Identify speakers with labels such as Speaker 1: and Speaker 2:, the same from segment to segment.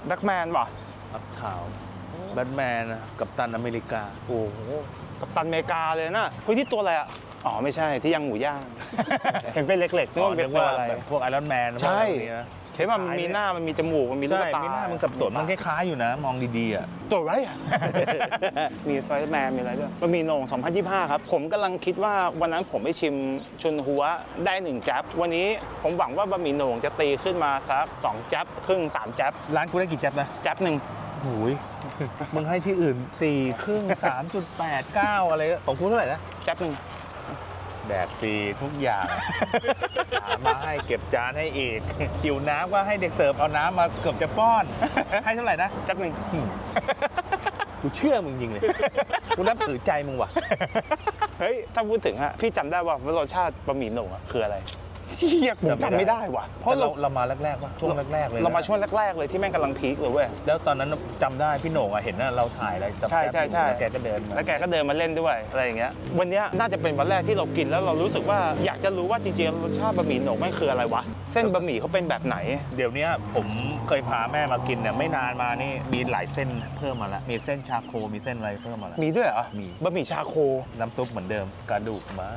Speaker 1: แบ็คแมนป่ะ
Speaker 2: อัพขาวแบทแมนกัปตันอเมริกา
Speaker 1: โอ้โหกัปตันอเมริกาเลยนะเฮ้ยที่ตัวอะไรอ่ะอ๋อไม่ใช่ที่ยังหมูย่าง เห็นเป็นเล็กๆนึกว่าเป็นตัวอะไร
Speaker 2: พวกไอรอนแมน
Speaker 1: ใช่เห็นว่ามันมีหน้ามันมีจมูกมันมีลูกตา
Speaker 2: มีหน้ามึงสับสนมันคล้ายๆอยู่นะมองดีๆอ่ะ
Speaker 1: ตัวอะไรอ่ะ มีสไปเดอร์แมนมีอะไรด้วยมันมีโหน่ง2025ครับผมกำลังคิดว่าวันนั้นผมไปชิมชุนหัวได้1จับวันนี้ผมหวังว่าบะหมี่โหน่งจะตีขึ้นมาสัก2จับครึ่ง3จับ
Speaker 2: ร้านกูได้กี่จับนะ
Speaker 1: จับหนึ่ง
Speaker 2: หูยมึงให้ที่อื่น4ครึ่ง 3.89 อะไรของกูเท่าไหร่นะ
Speaker 1: จับหนึ่ง
Speaker 2: แดกฟรีทุกอย่างหามาให้เก็บจานให้อีกหิวน้ำก็ให้เด็กเสิร์ฟเอาน้ำมาเกือบจะป้อนให้เท่าไหร่นะ
Speaker 1: จับหนึ่ง
Speaker 2: กูเชื่อมึงจริงเลยกูนับถือใจมึงว่ะ
Speaker 1: เฮ้ยถ้าพูดถึงอะพี่จำได้ว่ารสชาติบะหมี่โหน่งอะคืออะไรเฮียผมจำไม่ได้ว่ะ
Speaker 2: เพราะเรามาแรกๆว่ะช่วงแรกๆเลย
Speaker 1: เรามาช่วงแรกๆเลยที่แม่งกำลังพีคเลยเว้ย
Speaker 2: แล้วตอนนั้นจำได้พี่โหน่งเห็นนะเราถ่ายอะไร
Speaker 1: ใช่
Speaker 2: แล้วแกก็เดิน
Speaker 1: มาเล่นด้วยอะไรอย่างเงี้ยวันนี้น่าจะเป็นวันแรกที่เรากินแล้วเรารู้สึกว่าอยากจะรู้ว่าจริงๆรสชาติบะหมี่โหน่งแม่งคืออะไรวะเส้นบะหมี่เขาเป็นแบบไหน
Speaker 2: เดี๋ยวนี้ผมเคยพาแม่มากินเนี่ยไม่นานมานี่มีหลายเส้นเพิ่มมาแล้วมีเส้นชาโคมีเส้นอะไรเพิ่มมาแล้ว
Speaker 1: มีด้วยเหรอ
Speaker 2: มี
Speaker 1: บะหมี่ชาโค
Speaker 2: น้ำซุปเหมือนเดิมกระดูกม้า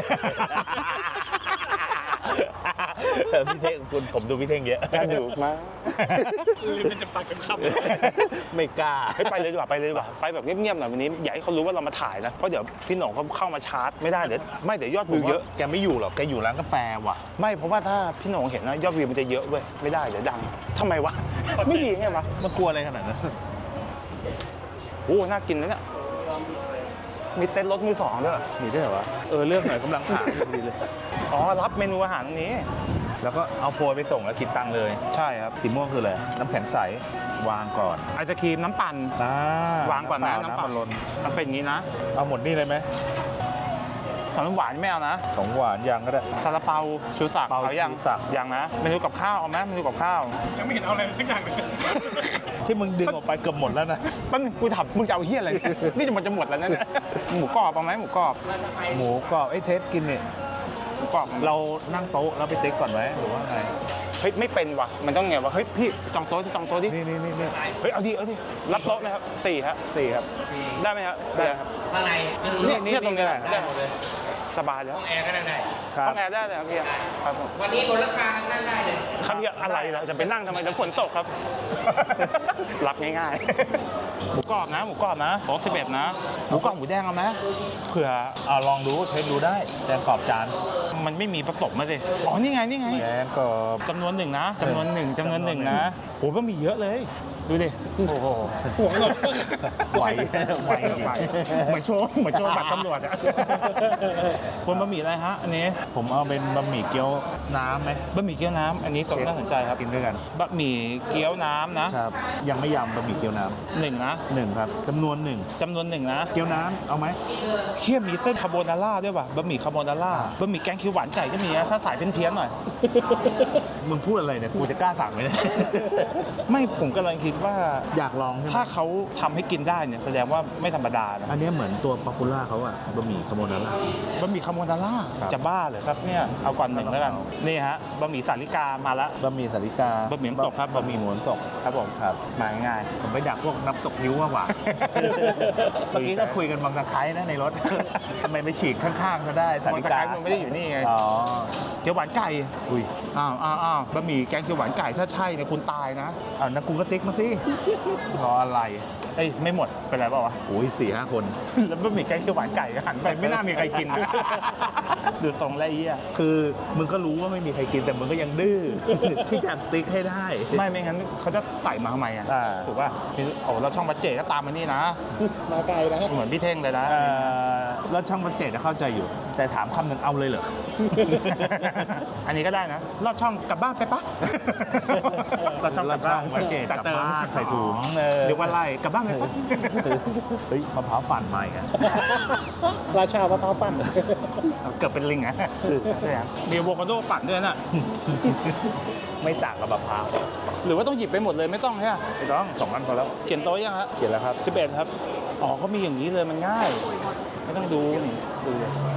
Speaker 2: พี่เท่งคุณผมดูพี่เท่งเยอะ
Speaker 1: กระดูกม้า
Speaker 3: ลืมจะปากกันค
Speaker 2: ำไม่กล้า
Speaker 1: ไปเลยดีกว่าไปแบบเงียบๆหน่อยวันนี้อย่าให้เขารู้ว่าเรามาถ่ายนะเพราะเดี๋ยวพี่หน่องเขาเข้ามาชาร์จไม่ได้เดี๋ยวยอดวิวเยอะ
Speaker 2: แกไม่อยู่หรอกแกอยู่ร้านกาแฟว่ะ
Speaker 1: ไม่เพราะว่าถ้าพี่หน่องเห็นนะยอดวิวมันจะเยอะเว้ยไม่ได้เดี๋ยวดังทำไมวะไม่ดีไงวะ
Speaker 2: มันกลัวอะไรขนาดนั้น
Speaker 1: โอ้น่ากินนะเนี่ยมีเต็นท์รถมือสองด้วย
Speaker 2: มีด้วยเหรอวะเลือกหน่อยกำลังหาดีเลย
Speaker 1: อ๋อรับเมนูอาหารตรงนี้
Speaker 2: แล้วก็เอาโพยไปส่งแล้วคิดตังค์เลย
Speaker 1: ใช่ครับ
Speaker 2: สีม่วงคืออะไรน้ำแข็งใสวางก่อน
Speaker 1: ไอศครีมน้ำปั่นวางก่อนนะน้ำปั่น
Speaker 2: ล้น
Speaker 1: มันเป็นอย่างนี้นะ
Speaker 2: เอาหมดนี่เลยไหม
Speaker 1: ของหวานไม่เอานะ
Speaker 2: ของหวานยังก็ได้
Speaker 1: ซาลาเปาชูศักดิ์เขายังนะเมนูกับข้าวเอาไหมเมนูกับข้าว
Speaker 3: ยังไม่เห็นเอาอะไรสักอย่างเลย
Speaker 2: ที่มึงดึงออกไปเกือบหมดแล้วนะ
Speaker 1: ปั้นกูถามมึงจะเอาเฮี้ยอะไรนี่มันจะหมดแล้วนะหมูกรอบเอาไหมหมูกรอบ
Speaker 2: เทสกินเนี่ย
Speaker 1: หมูกรอบ
Speaker 2: เรานั่งโต๊ะแล้วไปติ๊กก่อนไหมหรือว่าไง
Speaker 1: เฮ้ยไม่เป็นว่ะมันต้องไงวะเฮ้ยพี่จองโต๊ะดิ
Speaker 2: นี่
Speaker 1: เฮ้ยเอาดิรับโต๊ะไหมครับ4ครับได้ไหมครับ
Speaker 2: ได้ครับ
Speaker 3: ข้างใน
Speaker 1: นี่ตรงนี้แหละได้หมดเลยสบายแล้ว
Speaker 3: ห้องแอร์ก็ได้
Speaker 1: ห้องแอร์ได้เลยครับพี่ครับ
Speaker 3: วันนี้บนราคานั่งได้เลย
Speaker 1: ครับพี่อะไรล่ะจะไปนั่งทำไมเดี๋ยวฝนตกครับรับง่ายๆหมูกรอบนะโต๊ะ11นะหมูกรอบหมูแดงเอาไหมเผื่อ
Speaker 2: ลองดูเทสดูได้แดงกรอบจาน
Speaker 1: มันไม่มีผสมมาสิอ๋อนี่ไง
Speaker 2: แดงกรอบ
Speaker 1: จำนวนหนึ่งนะนะโหมันมีเยอะเลยดูดิ
Speaker 2: โอ้โห
Speaker 1: หัวเราไหวเหมือนโชว์บัตรตำรวจอะคนบะหมี่อะไรฮะอันนี้
Speaker 2: ผมเอาเป็นบะหมี่เกี๊ยวน้ำไหม
Speaker 1: บะหมี่เกี๊ยวน้ำอันนี้ก็น่าสนใจครับ
Speaker 2: กินด้วยกัน
Speaker 1: บะหมี่เกี๊ยวน้ำนะครับ
Speaker 2: ยังไม่ยำบะหมี่เกี๊ยวน้ำ
Speaker 1: 1นะ
Speaker 2: 1ครับจำนวน1
Speaker 1: นะ
Speaker 2: เกี๊ยวน้ำเอาไหม
Speaker 1: เคี่ยมีเส้นคาโบนาร่าด้วยป่ะบะหมี่คาโบนาร่าบะหมี่แกงเขียวหวานไก่ก็มีนะถ้าสายเพี้ยนๆหน่อย
Speaker 2: มึงพูดอะไรเนี่ยกูจะกล้าสั่งไหมเนี่ย
Speaker 1: ไม่ผมกำลังคิดว่า
Speaker 2: อยากลอง
Speaker 1: ถ้าเขาทำให้กินได้เนี่ยแสดงว่าไม่ธรรมดานะ
Speaker 2: อันนี้เหมือนตัวป๊อปปูล่าเขาอะบะหมี่คาโบนาร่า
Speaker 1: จะบ้าเลยครับเนี่ยเอาก่อน1แล้วกันนี่ฮะบะหมี่สาลิกามาแล้ว
Speaker 2: บะหมี่สาลิกา
Speaker 1: บะหมี่น้ำตกครับ
Speaker 2: บะหมี่หมูน้ำตก
Speaker 1: ครับผม
Speaker 2: ครับ
Speaker 1: มาง่าย
Speaker 2: ผมไปดักพวกน้ำตกนิ้วมากกว่าเมื่อกี้ก็คุยกันบางตะไคร้นะในรถทำไมไม่ฉีกข้างๆก็ได้สาลิกา
Speaker 1: มันไม่ได้อยู่นี่ไง
Speaker 2: อ๋อ
Speaker 1: เกี๊ยวหวานไก่อ้าวบะหมี่แกงเขียวหวานไก่ถ้าใช่เนี่ยคุณตายนะ
Speaker 2: นักกูก็ติ๊กมาสิ
Speaker 1: รออะไรไม่หมดเป็นไรเปล่าวะ
Speaker 2: โอ้ย4-5 คน
Speaker 1: แล้วบะหมี่แกงเขียวหวานไก่หันไปไม่น่ามีใครกินดูทรงไร
Speaker 2: คือมึงก็รู้ว่าไม่มีใครกินแต่มึงก็ยังดื้อที่จะติ๊กให้ได้
Speaker 1: ไม่งั้นเขาจะใส่มาทำไมอ่ะถูกป่ะโอ้เราช่องบัจเจก็ตามมานี่นะ
Speaker 3: มาไกลนะ
Speaker 1: เหมือนพี่เท่งเลยนะ
Speaker 2: แล้วช่องบัจเจจะเข้าใจอยู่แต่ถามคำหนึ่งเอาเลยเหรอ
Speaker 1: อันนี้ก็ได้นะลอดช่องกลับบ้านไปปะลอดช่องกลับบ้าน
Speaker 2: บัจเจกลับบ้านใส่ถุง
Speaker 1: เรียกว่าไล่กลับบ้านไปปะ
Speaker 2: เฮ้ยมะพร้าวปั่นใหม่กัน
Speaker 3: ราชามะพร้าวปั่น
Speaker 1: เกือบเป็นลิงอ่ะมีอะโวคาโดปั่นด้วยน่ะ
Speaker 2: ไม่ต่างกับมะพร้าว
Speaker 1: หรือว่าต้องหยิบไปหมดเลยไม่ต้องใช่ไหม
Speaker 2: ไม่ต้อง2 อันพอแล้ว
Speaker 1: เขียนโต๊ะยังฮะ
Speaker 2: เขียนแล้วครับ
Speaker 1: 11ครับอ๋อเขามีอย่างนี้เลยมันง่ายไม่ต้องดู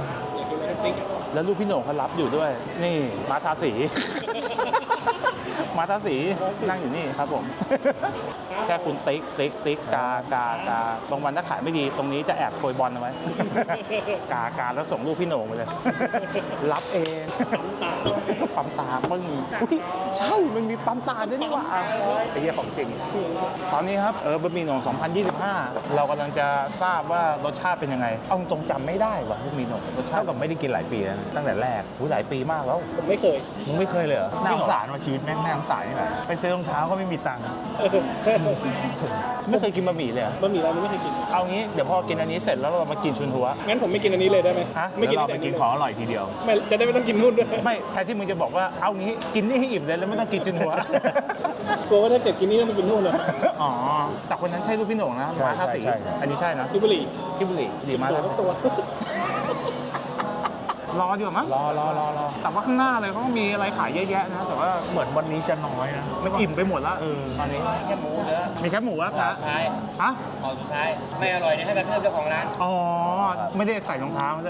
Speaker 1: แล้วลูกพี่โหน่งเขารับอยู่ด้วยนี่มาทาสีมาตาสีนั่งอยู่นี่ครับผม แค่คุณติ๊กกากาบางวันถ้าขายไม่ดีตรงนี้จะแอบโปรยบอลเอาไว้ กาแล้วส่งรูปพี่โหน่งไปเลย รับเองปั๊มตาปึ้งอุ๊ยใช่มันมีปั๊มตาด้วยนี่หว่าไอ้เหี้ยของจริง ตอนนี้ครับบะหมี่โหน่ง2025 เรากำลังจะทราบว่ารสชาติเป็นยังไงเอาตรงๆจำไม่ได้ว่ะบะหมี่โหน่งรสชา
Speaker 2: เท่า
Speaker 1: ติ
Speaker 2: กับไม่ได้กินหลายปีแล้วนะตั้งแต่แรก
Speaker 1: หลายปีมากแล้ว
Speaker 3: ผมไม่เคย
Speaker 2: มึงไม่เคยเลยเหรอน่าสงสารว่าชีวิตแม่งน่าสงสารนี่แหละไปซื้อรองเท้าก็ไม่มีตังค์
Speaker 1: ไม่เคยกินบะหมี่เลยเหรอบ
Speaker 3: ะหมี่ร้านนี้ไม่เคยกิน
Speaker 1: เอางี้เดี๋ยวพอกินอันนี้เสร็จแล้วเรามากินชุนหัว
Speaker 3: งั้นผมไม่กินอันนี้เลยได้ไหม
Speaker 1: ฮะ
Speaker 3: ไม่กิน
Speaker 2: แล้วเรา
Speaker 3: แต่
Speaker 2: ไป
Speaker 3: อัน
Speaker 2: กิ
Speaker 3: นี้
Speaker 2: น
Speaker 3: เลย
Speaker 2: ของอร่อยทีเดียว
Speaker 3: ไม่จะได้ไม่ต้องกินนู่นด้วย
Speaker 1: ไม่แทนที่มึงจะบอกว่าเอางี้กินนี่ให้อิ่มเลยแล้วไม่ต้องกินชุนหัว
Speaker 3: กลัวว่าถ้าเกิดกินนี่ต้องไปกินนู่นเลย
Speaker 1: อ๋อแต่คนนั้นใช่ลูกพี่โหน่งนะ
Speaker 2: ใช่
Speaker 1: มาท่าสี
Speaker 2: ใช่
Speaker 1: อันนี้ใช่นะ
Speaker 3: ลิบุรี
Speaker 1: พี่บุรีดีมาก
Speaker 3: ตัวก็ตัว
Speaker 1: รอดีกว่ามั้ง
Speaker 2: รอ
Speaker 1: แต่ว่าข้างหน้าเลยเขาก็มีอะไรขายเยอะแยะนะแต่ว่า
Speaker 2: เหมือนวันนี้จะน้อยนะ
Speaker 1: มันอิ่มไปหมดแล้วตอนนี้
Speaker 4: แค่หมูเนื้อ
Speaker 1: มีแค่หมูอะครับ
Speaker 4: สุดท้าย
Speaker 1: ฮะ
Speaker 4: ห่อสุดท้าย ไม่อร่อยเนี่ยให้กระเทือบเจ้าของร้าน
Speaker 1: อ๋อไม่ได้ใส่รองเท้าเลย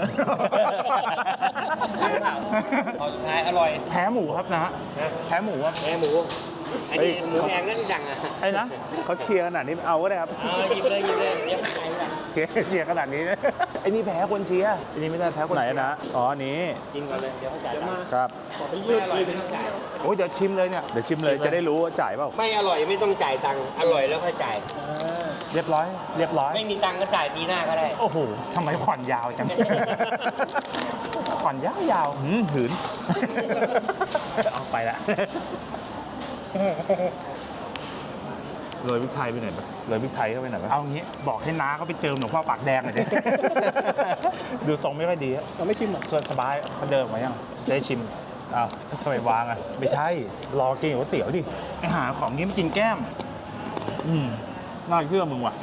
Speaker 4: ห่อสุดท้ายอร่อย
Speaker 1: แพ้หมูครับนะแพ้หมูครับ
Speaker 4: แหนหมูอันนี้หมูแพงนั่นจังอ่ะ
Speaker 1: ไอ้นะ
Speaker 2: เขาเชียร์ขนาดนี้เอาก็ได้ครับ
Speaker 4: หยิบเลยเดี๋ยวขายละ
Speaker 1: เชียร์ขนาดนี้นะไอ้นี่แพ้คนเชียร์ไอ้นี่ไม่ได้แพ้คน
Speaker 2: ไหน
Speaker 1: เชียร์
Speaker 2: นะอ๋ออันนี้
Speaker 4: กินก่อนเลย เดี๋ยวเขาจ่ายตังค์
Speaker 2: ครับ
Speaker 3: ขอไปยืดเลย
Speaker 1: โอ้ยเดี๋ยวชิมเลยเนี่ย
Speaker 2: เดี๋ยวชิมเลยจะได้รู้ว่าจ่ายเปล่า
Speaker 4: ไม่อร่อยไม่ต้องจ่ายตังค์ อร่อยแล้วค่อยจ่าย
Speaker 1: เรียบร้อย
Speaker 4: ไม่มีตังค์ก็จ่ายปีหน้าก็ได้
Speaker 1: โอ้โหทำไมผ่อนยาวจัง ผ่อนยาว
Speaker 2: หืน เอาไปละโรยพริกไทยไปหน่อยปะโรยพริกไทยเข้าไปหน่อยปะ
Speaker 1: เอางี้บอกให้น้าเขาไปเจิมหลวงพ่อปากแดงหน่อยดิ ดูทรงไม่ค่อยดีอะ
Speaker 3: เราไม่ชิมหรอ
Speaker 1: ส่วนสบายมันเดิมมายังจะได้ชิม
Speaker 2: อ้าวทำไมวางอ่ะ
Speaker 1: ไม่ใช่ รอกินก๋วยเตี๋ยวดิไอหาของนี้ไม่กินแก้ม
Speaker 2: น่าเชื่อมึงว่ะ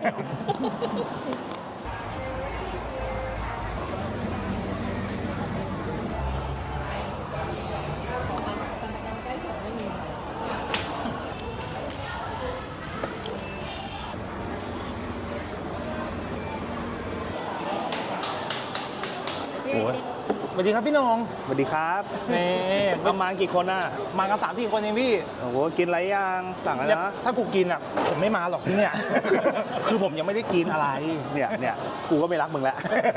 Speaker 1: โอ้ยสวัสดีครับพี่น้อง
Speaker 2: สวัสดีครับ
Speaker 1: นี่
Speaker 2: ประมาณกี่คนอ่ะ
Speaker 1: มากัน3-4 คนเองพี่
Speaker 2: โอ้โหกินอะไรยังสั่งแล้วนะ
Speaker 1: ถ้ากูกินอ่ะผมไม่มาหรอกที่เนี่ย คือผมยังไม่ได้กินอะไร
Speaker 2: เนี่ยกูก็ไม่รักมึงแล้ว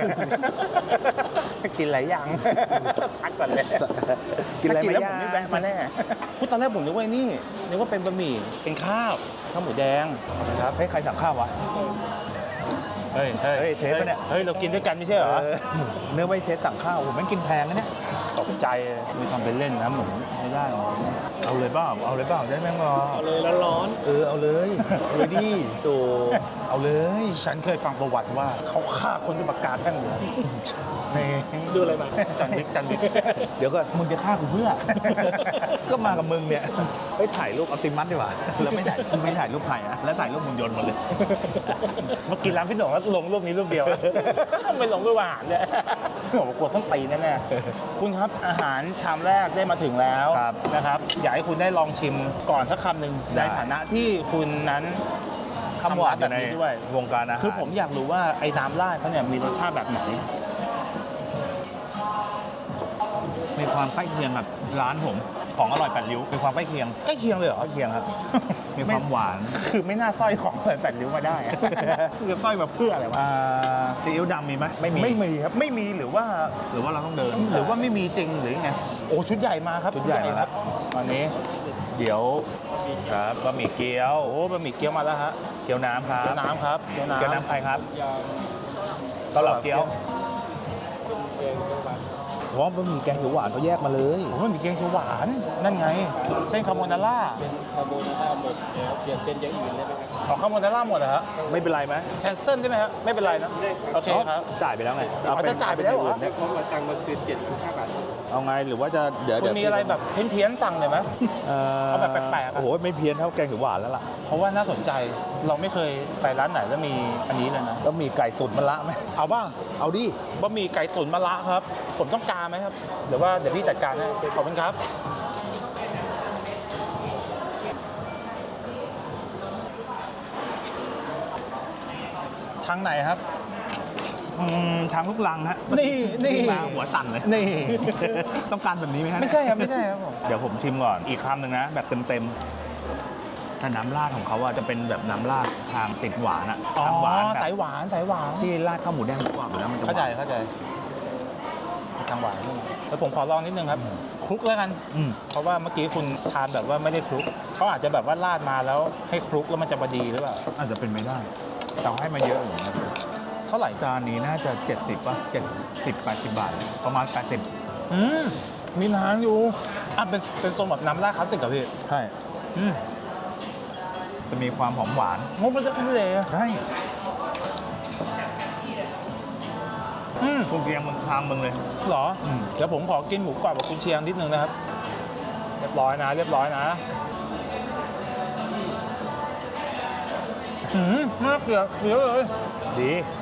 Speaker 1: กินหลายอย่าง พักก่อนเลย
Speaker 2: กินอะไร
Speaker 1: ถ้า
Speaker 2: ไม่
Speaker 1: แล้ว
Speaker 2: ยา
Speaker 1: ผม
Speaker 2: ก
Speaker 1: ไม่แวะมาแน่พูดตอนแรกผมนึกว่านี่นึกว่าเป็นบะหมี่เป็นข้าวหมูแดง
Speaker 2: ครับให้ใครสั่งข้าววะ
Speaker 1: เฮ้ย
Speaker 2: เฮ้ยเทปปะเนี่ย
Speaker 1: เฮ้ยเรากินด้วยกันไม่ใช่เหรอ
Speaker 2: เนื้อไม่เทสสั่งข้าวผมไม่งกินแพงนะเนี่ย
Speaker 1: ตกใจมีทำเป็นเล่นนะหมูไม่ได้หรอก
Speaker 2: เอาเลยเปล่าได้แม่งรอ
Speaker 3: เอาเลยแล้วร้อน
Speaker 2: เอาเลยดิโตเอาเลย
Speaker 1: ฉันเคยฟังประวัติว่าเขาฆ่าคนด้วยปากกาแท่งเหลืองนี่
Speaker 3: ดูอะไรมา
Speaker 1: จันบิ๊ก
Speaker 2: เดี๋ยวก่อนมึงจะฆ่ากูเพื่อ ก็มากับมึงเนี่ยไปถ่ายรูปอัลติมัสดีกว่าแล้วไม่ถ่ายรูปใครอะแล้วถ่ายรูปมึงยนต์มาเลย
Speaker 1: เมื่อกี้ร้านพี่หนุ่มแล้วลงรูปนี้รูปเดียว ไม่ลงรูปอาหารเนี่ยผมกลัวส้นตีนแน่ๆคุณครับอาหารชามแรกได้มาถึงแล้ว
Speaker 2: ครับ
Speaker 1: นะครับ อยากให้คุณได้ลองชิมก่อนสักคำหนึ่ง
Speaker 2: ได้
Speaker 1: ในฐานะที่คุณนั้น
Speaker 2: คำหวานอยู่ใน
Speaker 1: ทำร้านแบบนี้ด้วย
Speaker 2: วงการอาหาร
Speaker 1: คือผมอยากรู้ว่าไอ้น้ำราดเขาเนี่ยมีรสชาติแบบไหน
Speaker 2: มีความใกล้เคียงกับร้านผมของอร่อยแปดริ้วมีความใกล้เคียง
Speaker 1: ใกล้เคียงเลยเหรอ
Speaker 2: ใกล้เคียงครับ มีความหวาน
Speaker 1: คือไม่น่าสร้อยของเปิดแปดริ้วมาได้อะ คือสร้อยมาเพื่ออะไรวะ
Speaker 2: ซีอิ๊วดำมีไหมไม่มี
Speaker 1: ไม่มีครับไม่มีหรือว่า
Speaker 2: หรือว่าเราต้องเดิน
Speaker 1: หรือว่าไม่มีจริงหรือไงโอ้ชุดใหญ่มาครับ
Speaker 2: ชุดใหญ่มา
Speaker 1: ครับตอนนี้เดี๋ยว
Speaker 2: ครับบะหมี่เกี๊ยว
Speaker 1: โอ้บะหมี่เกี๊ยวมาแล้วฮะ
Speaker 2: เกี๊ยวน้ำครับ
Speaker 1: เกี๊ยวน้ำครับเกี๊ยวน้ำ
Speaker 2: เกี๊ยวน้ำใครครับเกาเหลาเกี๊ยวเพราะบะหมี่แกงเขียวหวานเขาแยกมาเลย
Speaker 1: โอ้บะหมี่เกี๊ยวเขียวหวานนั่นไง เส้นคาโบนาร่า
Speaker 3: คาโบนาร่าหมดเดี๋ยวเปลี่ยนเป็นอย่างอื่นได้ไหมครับ
Speaker 1: เอาคาโบนาร่าหมดเหรอฮะ
Speaker 2: ไม่เป็นไรไหม
Speaker 1: แคนเซิลได้ไหมฮะไม่เป็นไรนะโอเคครับ
Speaker 2: จ่ายไปแล้วไง
Speaker 1: อ๋อจะจ่ายไปแล้วเหรอ
Speaker 3: เพราะว่าตังค์มันคือ75 บาท
Speaker 2: เอาไงหรือว่าจะเดี๋ยว
Speaker 1: คุณมีอะไรแบบเพี้ยนๆสั่งเลยไหม เอาแบบแปลกๆอะ
Speaker 2: โอ้โหไม่เพี้ยนเท่าแกงเขียวหวานแล้วล่ะ
Speaker 1: เพราะว่าน่าสนใจเราไม่เคยไปร้านไหนแล้วมีอันนี้เลยนะ
Speaker 2: แล้วมีไก่ตุ๋นมะระไหม
Speaker 1: เอาบ้าง
Speaker 2: เอาดิ
Speaker 1: บะหมี่ไก่ตุ๋นมะระครับ ผมต้องการไหมครับหรือว่าเดี๋ยวพี่จัดการให้ขอบคุณครับ ทางไหนครับ
Speaker 2: ทางลูกลังฮะ
Speaker 1: นี่
Speaker 2: มาหัวสั่นเลย
Speaker 1: นี่
Speaker 2: ต้องการแบบนี้ไหมฮะ
Speaker 1: ไม่ใช่ครับไม่ใช่ครับผม
Speaker 2: เดี๋ยวผมชิมก่อนอีกคำหนึ่งนะ แบบเต็มๆแต่น้ำราดของเขาอะจะเป็นแบบน้ำราดทางติดหวานอะ
Speaker 1: อ๋อ
Speaker 2: ทางหวานแบบ
Speaker 1: สายหวานสายหวาน
Speaker 2: ที่ราดข้าวหมูแดงกรอบอยู่แล้วมันจะหวาน
Speaker 1: เข้าใจทางหวานแล้วผมขอลองนิดนึงครับคลุกแล้วกัน
Speaker 2: อืม
Speaker 1: เพราะว่าเมื่อกี้คุณทานแบบว่าไม่ได้คลุกเขาอาจจะแบบว่าราดมาแล้วให้คลุกแล้วมันจะพอดีหรือเปล่า
Speaker 2: อาจจะเป็นไม่ได้แต่ให้มาเยอะอยู่นะ
Speaker 1: เท่าไหร่
Speaker 2: จานนี้น่าจะ 70 ป่ะ 70 80 บาท ประมาณ 80
Speaker 1: มีทางอยู่เป็นทรงแบบน้ำราดคลาสสิกเหรอพี่
Speaker 2: ใช่จะมีความหอมหวาน
Speaker 1: งบมันจะขึ้นเลย
Speaker 2: ใช่คุณเกียงมึงทางมึงเลย
Speaker 1: เหรอ
Speaker 2: อืม
Speaker 1: เดี๋ยวผมขอกินหมูกรอบกับกุนเชียงนิดนึงนะครับ เรียบร้อยนะมากเกลือเลย
Speaker 2: ดี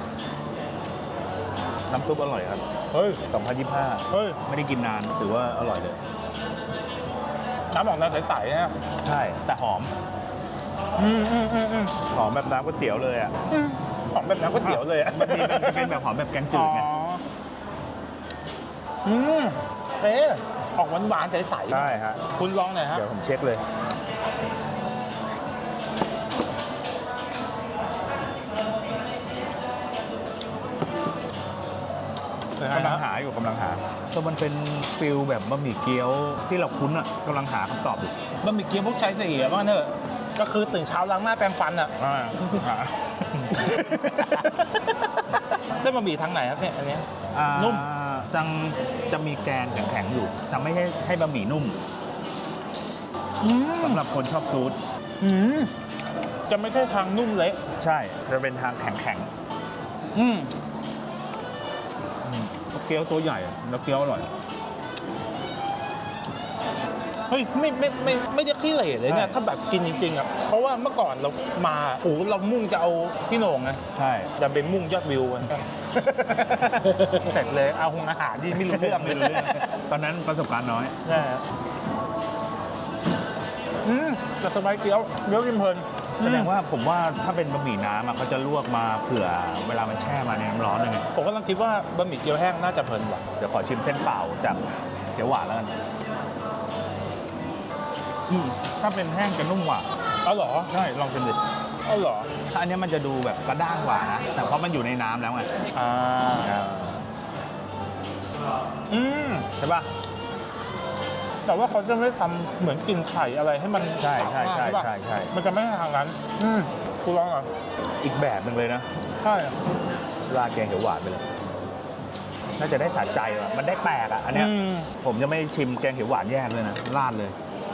Speaker 2: น้ำซุปอร่อยครับ
Speaker 1: เฮ้ย
Speaker 2: 2025
Speaker 1: เฮ้ย
Speaker 2: ไม่ได้กินนานถือว่าอร่อยเลย
Speaker 1: น้ำออกน้ำใสๆนะ
Speaker 2: ใช่ แต่หอม หอมแบบน้ำก๋วยเตี๋ยวเลยอ่ะ
Speaker 1: ของแบบน้ำก๋วยเตี๋ยวเลยอะ
Speaker 2: มันจะเป็นแบบหอมแบบแกงจืดไง
Speaker 1: เอ๊ะออกหวานๆใสๆ
Speaker 2: ใช่ฮะ
Speaker 1: คุณลองหน่อยฮะ
Speaker 2: เดี๋ยวผมเช็คเลย กำลังหาก็มันเป็นฟิลแบบบะหมี่เกี๊ยวที่เราคุ้นอ่ะกำลังหาคำตอบอยู่
Speaker 1: บะหมี่เกี๊ยวพวกชายสี่ว่างั้นเถอะก็คือตื่นเช้าล้างหน้าแปรงฟันอะ เส้นบะหมี่ทางไหนครับเนี่ยอันเนี้ย นุ่ม
Speaker 2: จะมีแกนแข็งๆอยู่แต่ไม่ให้บะหมี่นุ่มสำหรับคนชอบซูด
Speaker 1: จะไม่ใช่ทางนุ่มเละ
Speaker 2: ใช่จะเป็นทางแข็งเกี๊ยวตัวใหญ่แล้วเกี๊ยวอร่อย
Speaker 1: เฮ้ยไม่ได้ขี้เหร่เลยเนี่ยถ้าแบบกินจริงๆอ่ะเพราะว่าเมื่อก่อนเรามาโอ้โหเรามุ่งจะเอาพี่โหน่งไง
Speaker 2: ใช่
Speaker 1: จะเป็นมุ่งยอดวิวกัน เสร็จเลยเอาอาหารที่ไม่รู้เรื่อง
Speaker 2: ไม่รู้เรื่องตอนนั้นประสบการณ์น้อย
Speaker 1: ใช่ฮะแต่สบายเกี๊ยวกินเพลิน
Speaker 2: แสดงว่าผมว่าถ้าเป็นบะหมี่น้ำอะเขาจะลวกมาเผื่อเวลามันแช่มาในน้ำร้อนเลยไง
Speaker 1: ผมกำลังคิดว่าบะหมี่เกี๊ยวแห้งน่าจะเพลินกว่า
Speaker 2: เดี๋ยวขอชิมเส้นเปล่าจากเขียวหวานแล้วกันถ้าเป็นแห้งจะนุ่มกว่า
Speaker 1: เอาเหรอ
Speaker 2: ใช่ลองชิมดิ
Speaker 1: เอาเหรอ
Speaker 2: ถ้าอันเนี้ยมันจะดูแบบกระด้างกว่านะแต่เพราะมันอยู่ในน้ำแล้วไง ใช่ป่ะ
Speaker 1: แต่ว่าเขาจะไม่ทำเหมือนกินไข่อะไรให้มัน
Speaker 2: ใช่
Speaker 1: จับมาก
Speaker 2: ใช่
Speaker 1: ปะ
Speaker 2: ใช่ใช่
Speaker 1: มันจะไม่ใช่ทางนั้นคุณลองอ่ะ
Speaker 2: อีกแบบหนึ่งเลยนะ
Speaker 1: ใช่
Speaker 2: ราดแกงเขียวหวานไปเลยน่าจะได้สะใจว่ะมันได้แปลกอ่ะอันเนี้ยผมจะไม่ชิมแกงเขียวหวานแยกเลยนะราดเลย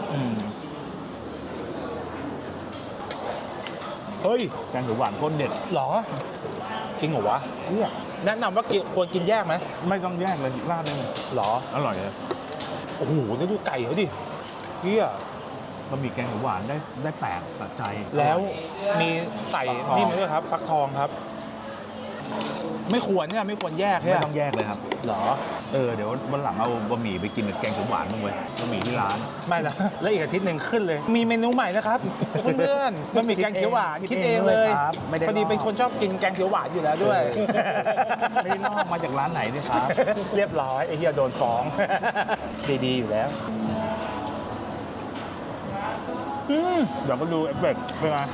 Speaker 1: เฮ้ย
Speaker 2: แกงเขียวหวานโคตรเด็ด
Speaker 1: เหรอ จริงเหรอวะเนี่ยแนะนำว่าควรกินแยกไหม
Speaker 2: ไม่ต้องแยกเลยราดเลย
Speaker 1: เหรอ
Speaker 2: อร่อยเลย
Speaker 1: โอ้โหแล้วดูไก่เขาดิเฮีย
Speaker 2: บะหมี่แกงเขียวหวานได้แปลกสะใจ
Speaker 1: แล้วมีใส่นี่มาด้วยครับฟักทองครับ ไม่ควรเนี่ยไม่ควรแยก
Speaker 2: ไม่ต้องแยกเลยครับ
Speaker 1: เหรอ
Speaker 2: เดี๋ยววันหลังเอาบะหมี่ไปกินกับแกงเขียวหวานมึงเว้ยบะหมี่ที่ร้าน
Speaker 1: ไม่ละแล้วอีกอาทิตย์หนึ่งขึ้นเลย มีเมนูใหม่นะครับเพื่อนๆบะหมี่แกงเขียวหวานคิดเองเลย
Speaker 2: ครับไม่ได้
Speaker 1: พอดีเป็นคนชอบกินแกงเขียวหวานอยู่แล้วด้วย
Speaker 2: ไม่ได้ลอกมาจากร้านไหนด้วยครับ
Speaker 1: เรียบร้อยไอ้เฮียโดนฟ้อง ดีๆอยู่แล้ว
Speaker 2: เดี๋ยวมาดูเอฟเฟกต์เป็นไง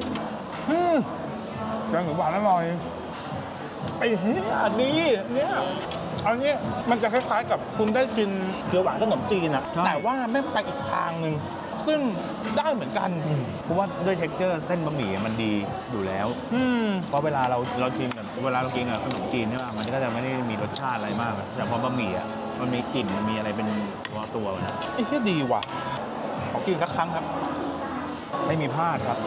Speaker 2: แกงเขียวหวานอร่อย
Speaker 1: ไอ้เฮียอันนี้เนี่ยอันนี้มันจะคล้ายๆกับคุณได้กินเขียวหวานขนมจีนอะ
Speaker 2: ใช่
Speaker 1: แต่ว่าแม่งไปอีกทางหนึ่งซึ่งได้เหมือนกัน
Speaker 2: เพราะว่าด้วยเท็กเจอร์เส้นบะหมี่มันดีอยู่แล้ว เพราะเวลาเราชิมกับเวลาเรากินกับขนมจีนใช่ป่ะมันก็จะไม่ได้มีรสชาติอะไรมากแต่พอบะหมี่อ่ะมันมีกลิ่นมันมีอะไรเป็นตัวนะ
Speaker 1: ไอ้เฮียดีว่ะขอกินสักครั้งครับ
Speaker 2: ไม่มีพลาดครับ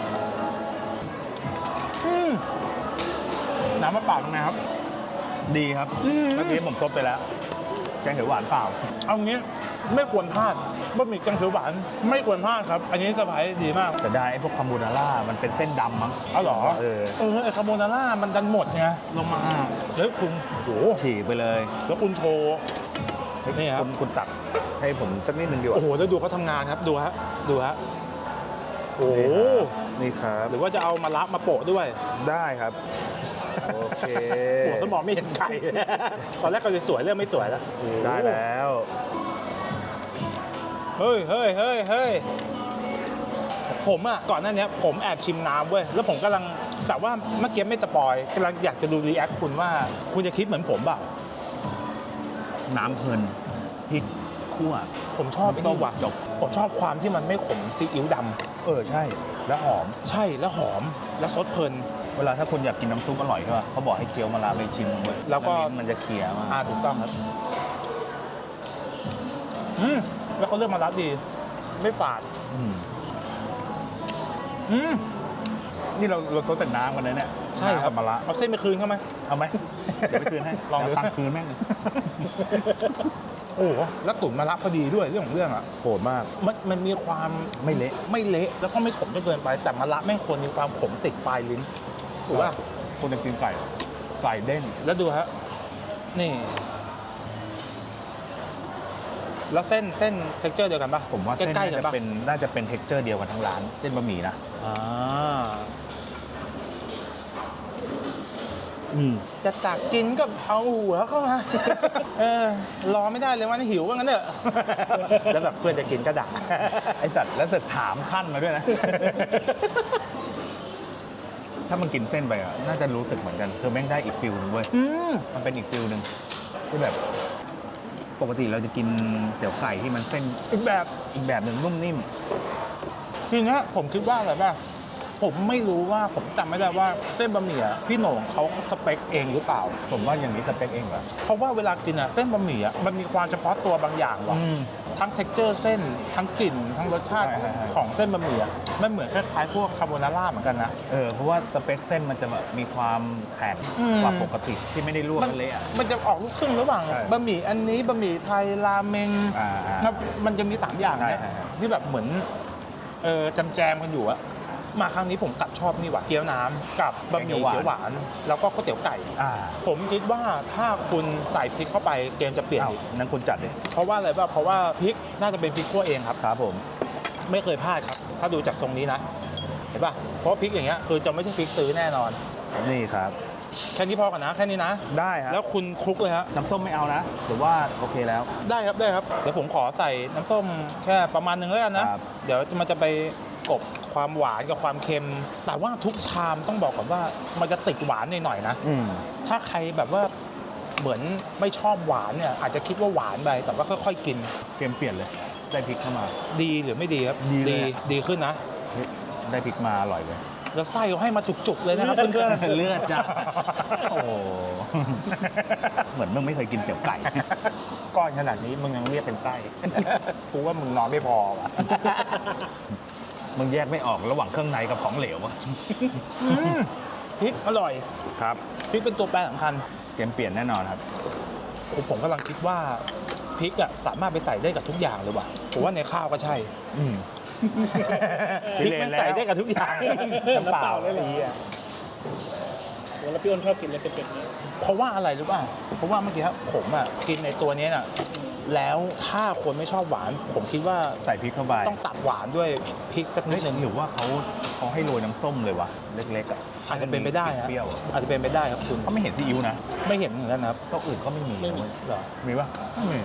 Speaker 1: น้ำมะปรางเป็นไงครับ
Speaker 2: ดีครับเมื่อกี้ผมซดไปแล้วแกงเขียวหวานเปล่า
Speaker 1: เอางี้ไม่ควรพลาดบะหมี่แกงเขียวหวานไม่ควรพลาดครับ อันนี้เซอร์ไพรส์ดีมาก
Speaker 2: แต่ได้ไอ้พวกคาโบนาร่ามันเป็นเส้นดำมั้ง
Speaker 1: เอาเหรอ ไอ้คาโบนาร่ามันดันหมดไงลงมาแล้วคุณโอ้โห
Speaker 2: ฉีกไปเลย
Speaker 1: แล้วคุณโชว์นี่ครับ
Speaker 2: คุณตักให้ผมสักนิดนึงดีกว่า
Speaker 1: โอ้โหแล้วดูเขาทำงานครับดูฮะโอ้โห
Speaker 2: นี่ครับ
Speaker 1: หรือว่าจะเอามาละมาโปะด้วย
Speaker 2: ได้ครับ โอเค
Speaker 1: หัวสมองไม่เห็นไก่ ตอนแรกก็จะสวยเริ่มไม่สวยแล้ว
Speaker 2: ได้แล้ว
Speaker 1: เฮ้ยเฮ้ยเฮ้ยเฮ้ยผมอ่ะก่อนหน้านี้ผมแอบชิมน้ำเว้ยแล้วผมกำลังแต่ว่าเมื่อกี้ไม่สปอยกำลังอยากจะดูรีแอคคุณว่าคุณจะคิดเหมือนผมเปล่า
Speaker 2: น้ำเพลินพริกคั่ว
Speaker 1: ผมชอบไอ้นี่ว่ะ
Speaker 2: จบ
Speaker 1: ผมชอบความที่มันไม่ขมซีอิ๊วดำ
Speaker 2: ใช่ แล้วหอม
Speaker 1: ใช่แล้วหอมแล้วซดเพลิน
Speaker 2: เวลาถ้าคุณอยากกินน้ำซุปอร่อยใช่ป่ะเขาบอกให้เคี้ยวมะระไปชิมลงไป
Speaker 1: แล้วก็
Speaker 2: มันจะเคี้ยวมาก
Speaker 1: ถูกต้องครับแล้วเขาเลือกมารับดี ไม่ฝาด
Speaker 2: อืม
Speaker 1: อืม
Speaker 2: นี่เราต้นแต่น้ำกันเลยเนี่ย
Speaker 1: ใช่ครับ
Speaker 2: น้ำกัมะระ
Speaker 1: เอาเส้นไปคืนเขาไหม
Speaker 2: เอาไหมเดี๋ยวไปคืนให้
Speaker 1: ลองดู
Speaker 2: เดี๋ยวตังค์คืนแม่ง
Speaker 1: โอ้โหแล้วตุ๋นมารับพอดีด้วยเรื่องของเรื่องอ่ะ
Speaker 2: โหดมาก
Speaker 1: มันมีความ
Speaker 2: ไม่เละ
Speaker 1: ไม่เละแล้วก็ไม่ขมจนเกินไป แต่มะระแม่งควรมีความขมติดปลายลิ้นถูกป่ะ
Speaker 2: คนจะกินไก่เด้ง
Speaker 1: แล้วดูฮะนี่ แล้วเส้นเท็กเจอร์เดียวกันป่ะ
Speaker 2: ผมว่าเส้น
Speaker 1: ใกล้ๆ
Speaker 2: น่า
Speaker 1: กัน
Speaker 2: จะ
Speaker 1: ป่ะ
Speaker 2: น่าจะเป็นเท็กเจอร์เดียวกันทั้งร้านเส้นบะหมี่นะ
Speaker 1: อ่า
Speaker 2: อืม
Speaker 1: จะตักกินก็เอาหัวเข้ามา รอไม่ได้เลยวันหิวว่างั้นเถอะ แล้วแบบเพื่อนจะกินก็ด่า
Speaker 2: ไอสัตว์แล้วจะถามขั้นมาด้วยนะ ถ้ามันกินเส้นไปอ่ะน่าจะรู้สึกเหมือนกันคือแม่งได้อีกฟิลนึงเว้ย
Speaker 1: อืม
Speaker 2: มันเป็นอีกฟิลหนึ่งที่แบบปกติเราจะกินเตี๋ยวไก่ที่มันเส้น
Speaker 1: อีกแบบ
Speaker 2: อีกแบบหนึ่งนุ่มนิ่ม
Speaker 1: ทีเนี้ยผมคิดว่าอะไรป่ะผมไม่รู้ว่าผมจำไม่ได้ว่าเส้นบะหมี่อะพี่โหน่งเขาสเปคเองหรือเปล่า
Speaker 2: ผมว่าอย่างนี้สเปคเองเหรอ
Speaker 1: เพราะว่าเวลากินอะเส้นบะหมี่อะมันมีความเฉพาะตัวบางอย่างว่ะ ทั้ง texture เส้น ทั้งกลิ่น ทั้งรสชาติ
Speaker 2: ใช่
Speaker 1: ของเส้นบะหมี่อะมันเหมือนคล้ายๆพวกคาโบนาร่าเหมือนกันนะ
Speaker 2: เพราะว่าสเปคเส้นมันจะแบบมีความแข็ง
Speaker 1: อืม
Speaker 2: กว่าปกติที่ไม่ได้ลวกกันเละอะ
Speaker 1: มันจะออกลูกครึ่งระหว่าง
Speaker 2: ใช่
Speaker 1: บะหมี่อันนี้บะหมี่ไทยราเมง
Speaker 2: ครับ
Speaker 1: มันจะมี3อย่างเนี่ย
Speaker 2: ใช่
Speaker 1: ที่แบบเหมือนแจมกันอยู่อะมาครั้งนี้ผมกลับชอบนี่ว่ะเกี๊ยวน้ำกับบะหมี่เกี๊ยวหวาน แล้วก็ข้าวเตี๋ยวไก่ ผมคิดว่าถ้าคุณใส่พริกเข้าไปเกมจะเปลี่ยน
Speaker 2: อ้าว
Speaker 1: อีก
Speaker 2: นั้นคุณจัดดิ
Speaker 1: เพราะว่าอะไรป่ะเพราะว่าพริกน่าจะเป็นพริกคั่วเองครับ
Speaker 2: ครับผม
Speaker 1: ไม่เคยพลาดครับ ถ้าดูจากทรงนี้นะเห็นป่ะเพราะพริกอย่างเงี้ยคือจะไม่ใช่พริกซื้อแน่นอน
Speaker 2: นี่ครับ
Speaker 1: แค่นี้พอกันนะ แค่นี้นะ
Speaker 2: ได้ครับ
Speaker 1: แล้วคุณคลุกเลยฮะ
Speaker 2: น้ำส้มไม่เอานะหรือว่าโอเคแล้ว
Speaker 1: ได้ครับได้ครับเดี๋ยวผมขอใส่น้ำส้มแค่ประมาณนึงแล้วกันนะครับ เดี๋ยวมันจะไปกบความหวานกับความเค็ม แต่ว่าทุกชามต้องบอกก่อนว่ามันจะติดหวานหน่อยๆนะ ถ้าใครแบบว่าเหมือนไม่ชอบหวานเนี่ยอาจจะคิดว่าหวานไปแต่ว่าค่อยๆกิน
Speaker 2: เกมเปลี่ยนเลยได้พริกเข้ามา
Speaker 1: ดีหรือไม่ดีครับ
Speaker 2: ดีเลยอะ
Speaker 1: ดีขึ้นนะ
Speaker 2: เฮ้ยได้พริกมาอร่อยเลย
Speaker 1: แล้วไส้เขาให้มาจุกๆเลยนะครับเพื่อนๆ
Speaker 2: เลือดจ้ะโอ้โหเหมือนมึงไม่เคยกินเตี๋ยวไก่
Speaker 1: ก้อนขนาดนี้มึงยังเรียกเป็นไส้ กูว่ามึงนอนไม่พอว่ะ
Speaker 2: มึงแยกไม่ออกระหว่างเครื่องในกับของเหลวอะ
Speaker 1: พริกอร่อย
Speaker 2: ครับ
Speaker 1: พริกเป็นตัวแปรสำคัญ
Speaker 2: เกมเปลี่ยนแน่นอนครับ
Speaker 1: ผมกำลังคิดว่าพริกอะสามารถไปใส่ได้กับทุกอย่างเลยว่ะผมว่าในข้าวก็ใช่ พริกมันใส่ได้กับทุกอย่างน้ำเปล่าเลย
Speaker 3: แล้วพี่อ้นชอบกินอะไรเป็นๆนี้
Speaker 1: เพราะว่าอะไรรู้ป่ะเพราะว่าเมื่อกี้ครับผมอะกินในตัวนี้น่ะแล้วถ้าคนไม่ชอบหวาน ผมคิดว่า
Speaker 2: ใส่พริกเข้าไป
Speaker 1: ต้องตัดหวานด้วยพริกสักนิดนึง
Speaker 2: หรือว่าเขาให้โรยน้ำส้มเลยวะเล็กๆอ่ะ
Speaker 1: อาจจะเป็นไปได้ฮะ
Speaker 2: เปรี้ยวอะ
Speaker 1: อาจจะเป็นไปได้ครับคุณ
Speaker 2: เขาไม่เห็นซีอิ๊วนะ
Speaker 1: ไม่เห็นเหมือนกันนะครับ
Speaker 2: โต๊ะอื่นก็ไม่มี
Speaker 3: ไม่มี
Speaker 1: เหรอ
Speaker 2: มีปะไม่มี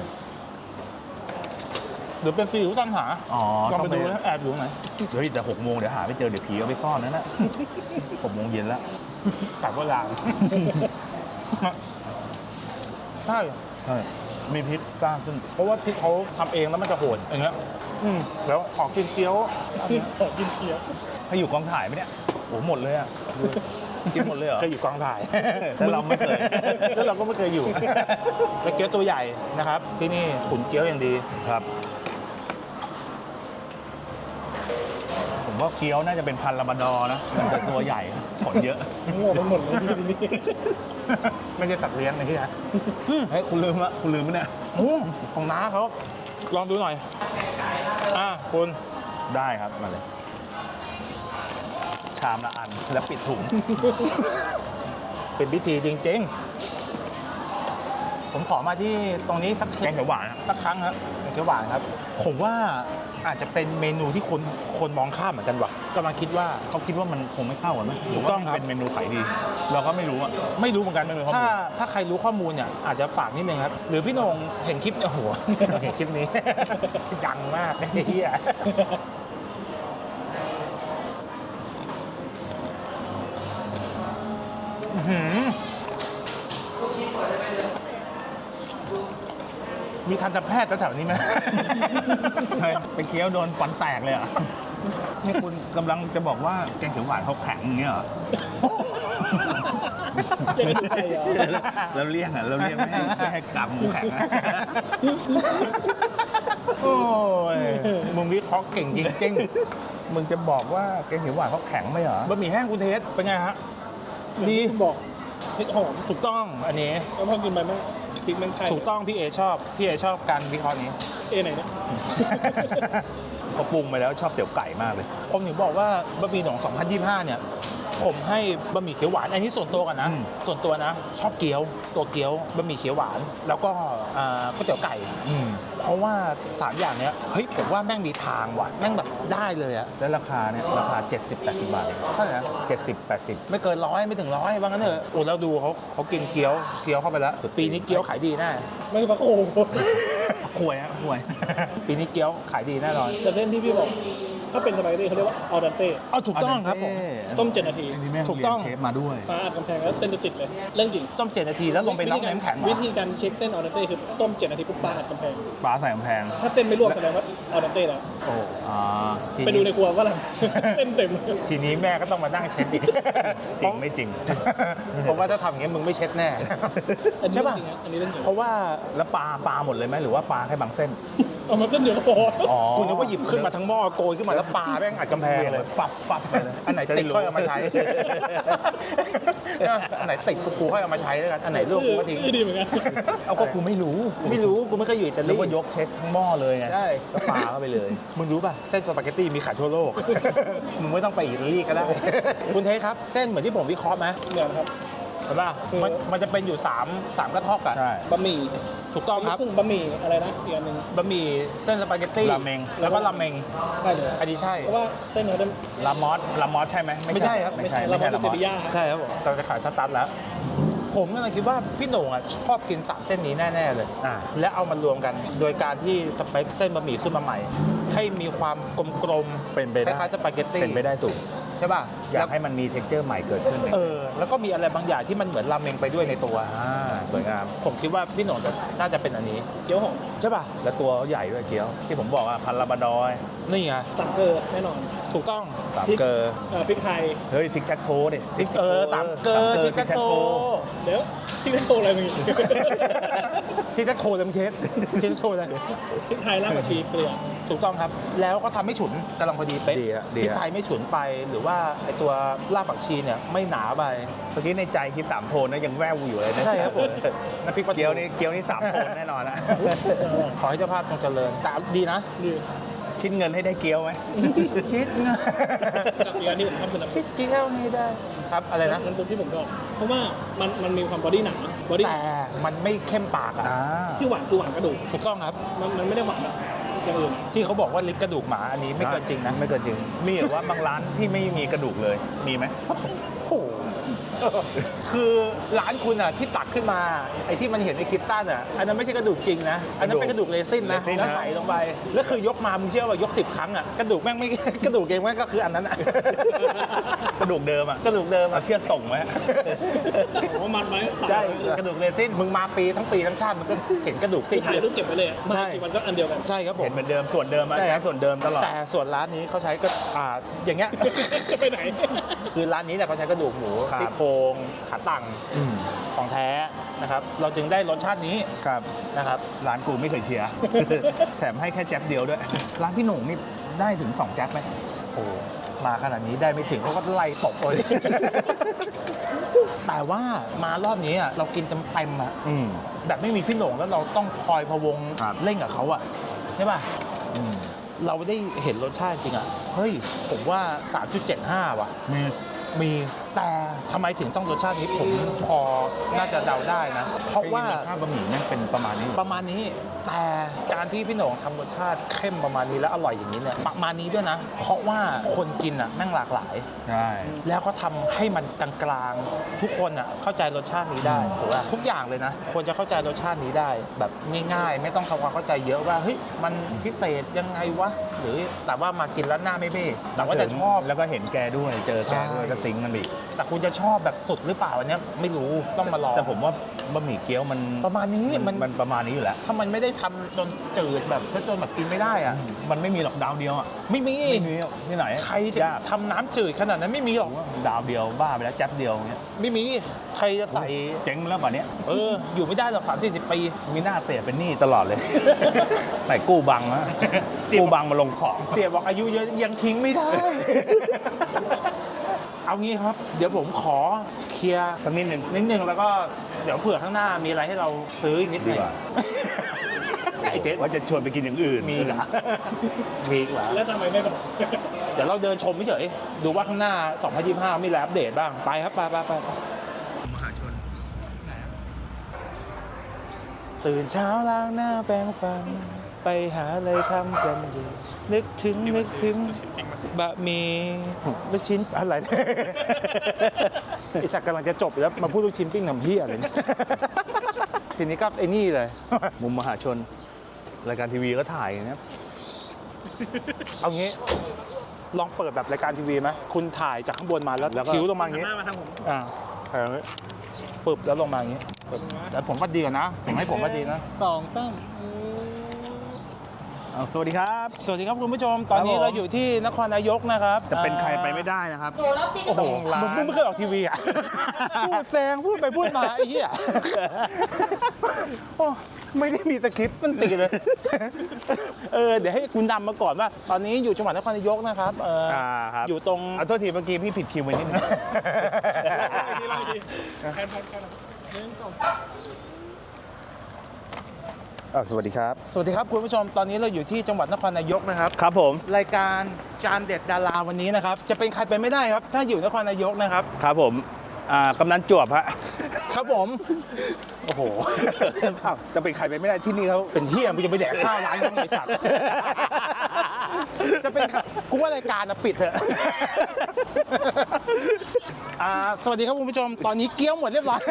Speaker 1: หรือเป็นซีอิ๊วตั้งหา
Speaker 2: อ๋อ
Speaker 1: ลอง
Speaker 2: ต้อง
Speaker 1: ไป
Speaker 2: ไป
Speaker 1: ดูนะแอบดูไหนอย
Speaker 2: เฮ้ยแต่6 โมงเดี๋ยวหาไม่เจอเดี๋ยวผีเอาไปซ่อนนั่นแหละ 6 โมงเย็นแล้ว
Speaker 1: กลับโบราณใช่
Speaker 2: ใช่มีพริกสร้างขึ้น
Speaker 1: เพราะว่าพริกเขาทำเองแล้วมันจะโหดอย่างเงี้ยแล้วขอกินเกี๊ยว
Speaker 3: ขอกินเกี๊ยว
Speaker 2: ให้อยู่กองถ่ายไหมเนี่ยโอ้หมดเลยอ่ะกินหมดเลยเหรอ
Speaker 1: เคยอยู่กองถ่าย
Speaker 2: แล้วเราไม่เคย
Speaker 1: แล้วเราก็ไม่เคยอยู่แล้วเกี๊ยวตัวใหญ่นะครับ ที่นี่ขุนเกี๊ยวอย่างดี
Speaker 2: ครับ ผมว่าเคี้ยวน่าจะเป็นพันธุ์ลาบราดอร์นะมันจะตัวใหญ่ขนเยอะ
Speaker 3: โง่ไปหมดเลยที่นี่
Speaker 1: ไม่ใช่ตัดเลี้ยงนะที่นะ
Speaker 2: เฮ้ยคุณลืมไหมเนี่ย
Speaker 1: โอ้ของน้าเขาลองดูหน่อยคุณ
Speaker 2: ได้ครับมาเลย ชามละอันแล้วปิดถุง
Speaker 1: เป็นพิธีจริงๆ ผมขอมาที่ตรงนี้สัก
Speaker 2: แกงเขียวหวานอะ
Speaker 1: สักครั้งครับผมเขียวหวานครับ ผมว่าอาจจะเป็นเมนูที่คนมองข้ามเหมือนกันว่ะกำลังคิดว่า
Speaker 2: เขาคิดว่ามันคงไม่เข้ากันไหม
Speaker 1: ถูกต้องครับ
Speaker 2: เป็นเมนูขายดี เราก็ไม่รู้อ่ะ
Speaker 1: ไม่รู้เหมือนกัน
Speaker 2: ไม่รู้ข้อมูล
Speaker 1: ถ้าใครรู้ข้อมูลเนี่ยอาจจะฝากนิดนึงครับ หรือพี่โหนงเห็นคลิปโอ้โห เห็นคลิปนี้ ดังมากไอ้เหี้ยอื้อหือมีทันตแพทย์แถวๆนี้ไหม
Speaker 2: ไปเคี้ยวโดนฟันแตกเลยเหรอ่ะนี่คุณกำลังจะบอกว่าแกงเขียวหวานเขาแข็งอย่างเงี้ยเหรอ
Speaker 3: เรียกกันไปเหรอ
Speaker 2: เราเลี่ยงอ่ะเราเลี่ยงไม่ให้กลับหมูแข็งนะ
Speaker 1: โอ้ยมึงวิเคราะห์เก่งจริง
Speaker 2: มึงจะบอกว่าแกงเขียวหวานเขาแข็งไหมเหรอ
Speaker 1: ๆบะหมี่แห้งคุณเทสเป็นไงฮะ
Speaker 3: ดี
Speaker 1: ดี
Speaker 3: คุณบอกพริกหอม
Speaker 1: ถูกต้องอันนี้
Speaker 3: แล้วพอกินไปมั้งพริกแมงไทย
Speaker 1: ถูกต้องพี่เอชอบการวิเคราะห์นี้
Speaker 3: ไหนนะ
Speaker 2: พอปรุงไปแล้วชอบเตี๋ยวไก่มากเลย
Speaker 1: ผมถึงบอกว่าบะหมี่หนอง2025 เนี่ย ผมให้บะหมี่เขียวหวานอันนี้ส่วนตัวกันนะ
Speaker 2: อืม
Speaker 1: ส่วนตัวนะ ชอบเกี๊ยวตัวเกี๊ยวบะหมี่เขียวหวาน แล้วก็ก๋วยเตี๋ยวไก่ เพราะว่า3อย่างเนี้ยเฮ้ยผมว่าแม่งมีทางว่ะแม่งแบบได้เลยอะ
Speaker 2: แล้วราคาเนี่ยราคา 70-80 บาทเอง
Speaker 1: เท่าไหร่นะ
Speaker 2: 70-80
Speaker 1: ไม่เกิน100ไม่ถึง100ว่างั้นเถอะโอ้แล้วดูเขากินเกี๊ยวเข้าไปแล้ว ปีนี้เกี๊ยวขายดีแน่
Speaker 3: ไม่ปลาโขง
Speaker 2: ควยฮะควย
Speaker 1: ปีนี้เกี๊ยวขายดีแน่นอน
Speaker 3: แต่เส้นที่พี่บอก ถ้าเป็นสปาเกตตี้เขาเรียกว่าออดันเต้
Speaker 1: เอาถูกต้องครับผม
Speaker 3: ต้ม7 นาที
Speaker 2: อันนี้แม่ง
Speaker 1: ถูกต้อง
Speaker 2: เรียนเชฟมาด้วย
Speaker 3: ฟ้าอัดกำแพงแล้วเส้นจะติดเลย เรื่องจริง
Speaker 1: ต้ม7 นาทีแล้วลงไปน็อกน้ำแข็งเหร
Speaker 3: วิ
Speaker 1: อ
Speaker 3: ธีการเช็คเส้นออดันเต้คือต้ม7 นาทีปุ๊บฟ้าอัดกำแพง
Speaker 2: ปลาใส่กำแพง
Speaker 3: ถ้าเส้นไม่ลวกแสดงว่าออดันเต้แล้ว
Speaker 1: โอ้
Speaker 2: อ่า
Speaker 3: ไปดูในครัวว่าอะไร เส้นเต็ม
Speaker 1: ทีนี้แม่ก็ต้องมานั่งเช็ดอีก
Speaker 2: จริงไม่จริง
Speaker 1: ผมว่าถ้าทำอย่างงี้มึงไม่เช็ดแน่
Speaker 3: อันนี้
Speaker 1: ใช่
Speaker 3: เรื่อ
Speaker 1: ป่ะ
Speaker 3: งจริงนะอันนี้เรื่องจริง
Speaker 1: เพราะว่า
Speaker 2: แล้วปลาหมดเลยไหมหรือว่าปลาแค่บางเส้น
Speaker 3: เอามาเส้นเดียวก็พอ
Speaker 2: อ๋อ
Speaker 1: คุณนึกว่าหยิบขึ้นมาทั้งหม้อโกยขึ้นมาแล้วปลาแม่งอัดกำแพงเลย
Speaker 2: ฟับไปเลย
Speaker 1: อันไหนติดค่อยเอามาใช้ อันไหนติดกูค่อยเอามาใช้แล้วกัน อันไหนร่วงกูก็ทิ้ง
Speaker 3: ดีเหมือนกัน
Speaker 2: เอาก็กูไม่รู้
Speaker 1: ไม่รู้กูไม่เคยอยู่อิตา
Speaker 2: นึ
Speaker 1: ลี
Speaker 2: กว่ายกเช็คทั้งหม้อเลยไง
Speaker 1: ใช่
Speaker 2: ก็ปลาเข้าไปเลย
Speaker 1: มึงรู้ป่ะ เส้นสปาเกตตี้มีขายทั่วโลก มึงไม่ต้องไปอิตาลีก็ได้ คุณเทสครับ เส้นเหมือนที่ผมวิเคราะห์ไหม
Speaker 3: เหมือนครับ
Speaker 1: เห็นป่ะมันจะเป็นอยู่3กระทอกอ่ะ
Speaker 2: ใช่
Speaker 3: บะหมี่
Speaker 1: ถูกต้องครับ
Speaker 3: บะหมี่อะไรนะอีกอันหนึ่ง
Speaker 1: บะหมี่เส้นสปาเกตตี้
Speaker 2: ราเมง
Speaker 1: แล้วก็ราเมง
Speaker 3: ได้เลย
Speaker 1: อันนี้ใช่
Speaker 3: เพราะว่าเส้นเขาจะ
Speaker 2: ลามอสใช่ไหม
Speaker 1: ไม่ใช่ครับ
Speaker 2: ไม่ใช่
Speaker 3: เรา
Speaker 2: ไม่ใช่
Speaker 3: เป็
Speaker 2: ลาน มอ
Speaker 3: เซ
Speaker 2: ส
Speaker 3: บีย่า
Speaker 1: ใช่ครับผมเราจะขายสตาร์ทแล้ว ผมกำลังคิดว่าพี่โหน่งอ่ะชอบกิน3เส้นนี้แน่ ๆ เลย และเอามารวมกัน โดยการที่สเปคเส้นบะหมี่ขึ้นมาใหม่ ให้มีความกลมๆ
Speaker 2: เป็นไป
Speaker 1: ค
Speaker 2: ได้
Speaker 1: ล้ายๆสปาเกตตี้
Speaker 2: เป็นไปได้สูง
Speaker 1: ใช่ป่ะ
Speaker 2: อยาก
Speaker 1: แล้ว
Speaker 2: ให้มันมีเท็กเจอร์ใหม่เกิดขึ้น
Speaker 1: แล้วก็มีอะไรบางอย่างที่มันเหมือนราเมงไปด้วยในตัว
Speaker 2: สวยงาม
Speaker 1: ผมคิดว่าพี่โหน่งน่าจะเป็นอันนี้
Speaker 3: เกี๊ยวหอม
Speaker 1: ใช่ป่ะ
Speaker 2: แล้วตัวเขาใหญ่ด้วยเกี๊ยว ที่ผมบอกอ่ะพันลาบราดอย
Speaker 1: นี่ไง
Speaker 3: สังเกอร์แน่นอน
Speaker 1: ถูกต้อง
Speaker 2: สามเกอร์
Speaker 3: พริกไทย
Speaker 2: เฮ้ยทิกแท็กโทดิ
Speaker 1: สามเกอร์ทิกแท็กโต
Speaker 3: เดี๋ยวที่เป็นโตอะไรมึง
Speaker 1: ทิกแท็กโตเลยมึงเทสทิกแท็กโตเลย
Speaker 3: พริกไทยรากผักชีเกลือ
Speaker 1: ถูกต้องครับ แล้วก็ทำให้ฉุนกำลังพอดีเป๊ะ
Speaker 2: ดีฮะ
Speaker 1: พ
Speaker 2: ดี
Speaker 1: ริก
Speaker 2: ฮะ
Speaker 1: ไทยไม่ฉุนไปหรือว่าไอตัวรากผักชีเนี่ยไม่หนาไป
Speaker 2: เมื่อกี้ในใจคิด3โทนนะยังแววอยู่เลยนะ
Speaker 1: ใช่ครับผม
Speaker 2: น้ำพริกปลาเกี๊ยวนี่3โทนแน่นอนนะ
Speaker 1: ขอให้เจ้าภาพจงเจริญแต่ดีนะ
Speaker 3: ดี
Speaker 2: คิดเงินให้ได้เกี๊ยวไหม
Speaker 1: คิดนะ
Speaker 3: กับอีกอันที่ผมชอบคือน้ำ
Speaker 1: คิดกินแล้วไม่ได้ครับอะไรนะ
Speaker 3: น้ำซุปที่ผมชอบเพราะว่ามันมีความบอดี้หนาบอดี้
Speaker 1: แต่มันไม่เข้มปากอะ
Speaker 3: ที่หวานคือหวานกระดูก
Speaker 1: ถูกต้องครับ
Speaker 3: มันไม่ได้หวานแบบอย่างอื่น
Speaker 1: ที่เขาบอกว่าลิ้นกระดูกหมาอันนี้ไม่เกินจริงนะ
Speaker 2: ไม่เกินจริง มีหรือว่าบางร้านที่ไม่มีกระดูกเลย มีไหม
Speaker 1: โอ้โหคือร้านคุณอ่ะที่ตักขึ้นมาไอ้ที่มันเห็นในคลิปสั้นอ่ะอันนั้นไม่ใช่กระดูกจริงนะอันนั้นเป็นกระดูกเรซินนะ
Speaker 2: เรซิน
Speaker 1: แล้ว
Speaker 2: นะ
Speaker 1: ใส่ลงไปแล้วคือยกมามึงเชื่อว่ายก10 ครั้งอ่ะกระดูกแม่งไม่ กระดูกเองแม่งก็คืออันนั้นอ่ะ
Speaker 2: กระดูกเดิมอ่ะ
Speaker 1: กระดูกเดิม
Speaker 2: เอา
Speaker 1: อ่ะ
Speaker 2: เชือกต่งไว้
Speaker 3: ผมว่ามันไว้
Speaker 1: ใช่กระดูกเรซินมึงมาปีทั้งชาติมันก็เห็นกระดูก
Speaker 3: ที่
Speaker 1: ซิ่ง
Speaker 3: ถ่ายรูปเก็บไว้เลยอะ
Speaker 1: ใช่
Speaker 3: มันก็อันเดียวกัน
Speaker 1: ใช่ครับผ
Speaker 2: เห็
Speaker 1: ม
Speaker 2: นเหมือนเดิมส่วนเดิมอะ
Speaker 1: ใช่
Speaker 2: ใช้
Speaker 1: ครับ
Speaker 2: ส่วนเดิมตลอด
Speaker 1: แต่ส่วนร้านนี้เขาใช้ก็อย่างเงี้ย
Speaker 3: จะไปไหน
Speaker 1: คือร้านนี้เนี่ยเขาใช้กระดูกหมู
Speaker 2: ครับ
Speaker 1: ซี่โครงขาตั้งของแท้นะครับเราจึงได้รสชาตินี้
Speaker 2: ครับ
Speaker 1: นะครับ
Speaker 2: ร้านกูไม่เคยเชียร์ แถมให้แค่แจ๊บเดียวด้วย ร้านพี่หนุ่มนี่ได้ถึง2แจ๊บไหม
Speaker 1: โอ้มาขนาดนี้ได้ไม่ถึงเขาก็ไล่ตบเลย แต่ว่ามารอบนี้อ่ะเรากินเต็มๆอ่ะแบบไม่มีพี่โหน่งแล้วเราต้องคอยพะวง
Speaker 2: ครับ
Speaker 1: เล่นกับเขาอ่ะใช่ป่ะเราได้เห็นรสชาติจริงอ่ะเฮ้ยผมว่า 3.75 ว่ะ มีแต่ทำไมถึงต้องรสชาตินี้ผมพอน่าจะเดาได้นะ เพราะว่า
Speaker 2: ข้าวบะหมี่นั่นเป็นประมาณนี้
Speaker 1: ประมาณนี้แต่การที่พี่โหน่งทำรสชาติเข้มประมาณนี้แล้วอร่อยอย่างนี้เนี่ยประมาณนี้ด้วยนะ เพราะว่าคนกินอ่ะแม่งหลากหลาย
Speaker 2: ใช่
Speaker 1: แล้วก็ทำให้มันกลางๆทุกคนอ่ะเข้าใจรสชาตินี้ได้ถูกป่ะทุกอย่างเลยนะควรจะเข้าใจรสชาตินี้ได้ แบบง่ายๆ ไม่ต้องทำความเข้าใจเยอะว่าเฮ้ยมันพิเศษยังไงวะหรือแต่ว่ามากินแล้วหน้าไม่เบ้แต่ว่าจะชอบ
Speaker 2: แล้วก็เห็นแกด้วยเจอแกด้วย
Speaker 1: ใช่
Speaker 2: ก็ซิงค์กันอีก
Speaker 1: แต่คุณจะชอบแบบสุดหรือเปล่าอันเนี้ยไม่รู้ต้องมาลอง
Speaker 2: แต่ผมว่าบะหมี่เกี๊ยวมัน
Speaker 1: ประมาณนี้
Speaker 2: มันประมาณนี้อยู่แล้ว
Speaker 1: ถ้ามันไม่ได้ทำจนจืดแบบซะจนแบบกินไม่ได้อ่ะ
Speaker 2: มันไม่มีหรอกดาวเดียวอ่ะ
Speaker 1: ไม่มี
Speaker 2: ไม่มีที่ไหน
Speaker 1: ใครจะ
Speaker 2: ยาก
Speaker 1: ทำน้ำจืดขนาดนั้นไม่มีหรอก
Speaker 2: ดาวเดียวบ้าไปแล้วแจ๊บเดียวเงี้ย
Speaker 1: ไม่มีใครจะใส่
Speaker 2: เจ๊งแล้วป่ะเนี้ย
Speaker 1: อยู่ไม่ได้หรอก30-40 ปี
Speaker 2: มีหน้าเตะเป็นหนี้ตลอดเลย ไหนกู้บังนะกู้บังมาลงของ
Speaker 1: เตี๋ยบอกอายุเยอะยังทิ้งไม่ได้ เอางี้ครับ เดี๋ยวผมขอเคลียร์
Speaker 2: สักนิดนึง
Speaker 1: นิดนึงแล้วก็เดี๋ยวเผื่อข้างหน้ามีอะไรให้เราซื้ออีกนิดหนึง
Speaker 2: ดีกว่า
Speaker 1: ไอ้เทส
Speaker 2: ว่าจะชวนไปกินอย่างอื่น
Speaker 1: มีเหรอมีเหรอ
Speaker 3: แล้วทำไมไม่บอก
Speaker 1: เดี๋ยวเราเดินชมเฉยๆดูว่าข้างหน้า 2025 มีอะไรอัปเดตบ้างไปครับไปตื่นเช้าล้างหน้าแปรงฟันไปหาอะไรทำกันดีนึกถึงบะหมี่ลูกชิ้นอะไรเนี่ยไอสักกำลังจะจบอยู่แล้วมาพูดลูกชิ้นปิ้งน้ำเฮียอะไรเนี่ยทีนี้ก็ไอ้นี่เลย
Speaker 2: มุมมหาชน รายการทีวีก็ถ่ายอย่างเงี้ย
Speaker 1: เอางี้ลองเปิดแบบรายการทีวีไหมคุณถ่ายจากข้างบนมาแล้วคิ้วลงมาอย่างงี้
Speaker 3: หน้ามาทางผม
Speaker 1: ถ่ายอย่างงี้ปึ๊บแล้วลงมาอย่างงี้ปึ๊บแต่ผมก็ดีกว่านะผมให้ผมก็ดีนะ
Speaker 3: 2 3
Speaker 2: สวัสดีครับ
Speaker 1: สวัสดีครับคุณผู้ชม ตอนนี้
Speaker 2: ครับผม
Speaker 1: เราอยู่ที่นครนายกนะครับ
Speaker 2: จะเป็นใครไปไม่ได้นะครับ
Speaker 1: โอ้โห
Speaker 2: ต้องร้าน
Speaker 1: มึงไม่เคยออกทีวีอ่ะ พูดแซงพูดไปพูดมาไอ้เหี้ยโอ้ไม่ได้มีสคริปต์มันตีเลย เดี๋ยวให้คุณนำมาก่อนว่า ตอนนี้อยู่จังหวัดนครนายกนะครับ
Speaker 2: ครับ
Speaker 1: อยู่ตรง
Speaker 2: เอาโทษทีเมื่อกี้พี่ผิดคิวไปนิดนึง
Speaker 3: ดีเราดีแคน
Speaker 2: สวัสดีครับ
Speaker 1: สวัสดีครับคุณผู้ชม ตอนนี้เราอยู่ที่จังหวัดนครนายกนะครับ
Speaker 2: ครับผม
Speaker 1: รายการจานเด็ดดาราวันนี้นะครับ จะเป็นใครไปไม่ได้ครับ ถ้าอยู่นครนายกนะครับ
Speaker 2: ครับผมกำนันจวบฮะ
Speaker 1: ครับผม โอ้โห
Speaker 2: จะเป็นใครไปไม่ได้ที่นี่เขา
Speaker 1: เป็นเฮียมึงจะไปแดกข้าวร้านยังไงสัตว์ จะเป็นกูว่ารายการนะปิดเถอะ สวัสดีครับคุณผู้ชม ตอนนี้เกี้ยวหมดเรียบร้อย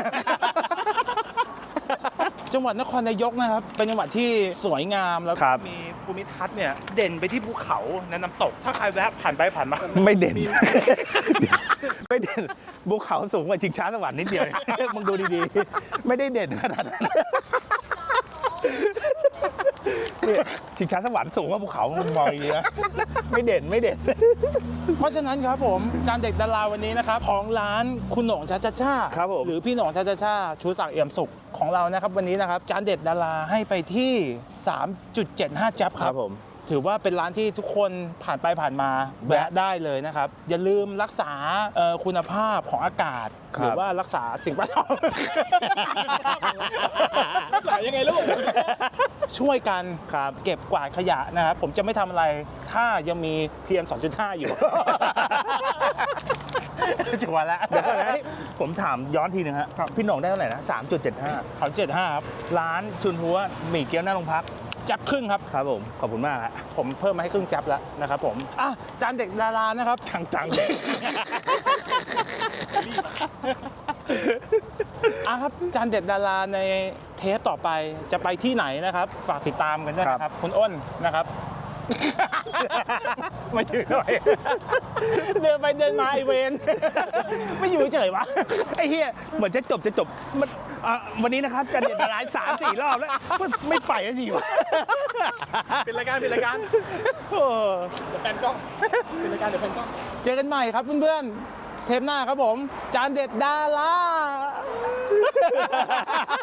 Speaker 1: จังหวัดนครนายกนะครับ เป็นจังหวัดที่สวยงามแล้ว
Speaker 2: ครับ
Speaker 1: มีภูมิทัศน์เนี่ยเด่นไปที่ภูเขาและน้ำตก ถ้าใครแวะผ่านไปผ่านมา
Speaker 2: ไม่เด่น ไม่เด่นภูเขาสูงกว่าชิงช้าสวรรค์นิดเดียว มึงดูดีๆ ไม่ได้เด่นขนาดนั้นเนี่ยชิงช้าสวรรค์สูงกว่าภูเขามึงมองดีนะไม่เด่นไม่เด่น
Speaker 1: เพราะฉะนั้นครับผมจานเด็กดาราวันนี้นะครับของร้านคุณโหน่งชาชาชา
Speaker 2: ครับผม
Speaker 1: หรือพี่โหน่งชาชาชาชูศักดิ์เอี่ยมสุขของเรานะครับวันนี้นะครับจานเด็ดดาราให้ไปที่ 3.75 จับครับ
Speaker 2: ผม
Speaker 1: ถือว่าเป็นร้านที่ทุกคนผ่านไปผ่านมาแวะได้เลยนะครับ อย่าลืมรักษาคุณภาพของอากาศ
Speaker 2: ครับ
Speaker 1: หรือว่ารักษาสิ่งแวดล้อม
Speaker 3: รักษายังไงลูก
Speaker 1: ช่วยกันเก็บกวาดขยะนะครับ ผมจะไม่ทำอะไรถ้ายังมี PM 2.5 อยู่ ชัวร์แล้ว
Speaker 2: เดี๋ยวก่อนนะผมถามย้อนทีนึงฮะพี่หน่องได้เท่าไหร่นะ 3.75
Speaker 1: 3.75 ครับ
Speaker 2: ร้านชุนหัวหมี่เกี๊ยวหน้าโรงพัก
Speaker 1: จับครึ่งครับ
Speaker 2: ครับผมขอบคุณมากฮะ
Speaker 1: ผมเพิ่มมาให้ครึ่งจับแล้วนะครับผมจานเด็กดารานะครับ
Speaker 2: จัง
Speaker 1: ครับจานเด็ดดาราในเทปต่อไปจะไปที่ไหนนะครับ ฝากติดตามกันด้วยนะครับ คุณอ้นนะครับ มาอยู่หน่อย เดินไปเดินมาไอเวนไม่อยู่เฉยวะ
Speaker 2: ไอ้เฮียเหมือนจะจบมันวันนี้นะครับจะเด็ดร้าน3-4 รอบแล้วไม่ไปสักทีวะ
Speaker 3: เป็นรายการเป็นรายการ
Speaker 2: โอ้
Speaker 3: เดี๋ยวแฟนกล้องเป็นรายการเดี๋ยวแฟนกล้อง
Speaker 1: เจอกันใหม่ครับเพื่อนๆเทปหน้าครับผม จานเด็ดดารา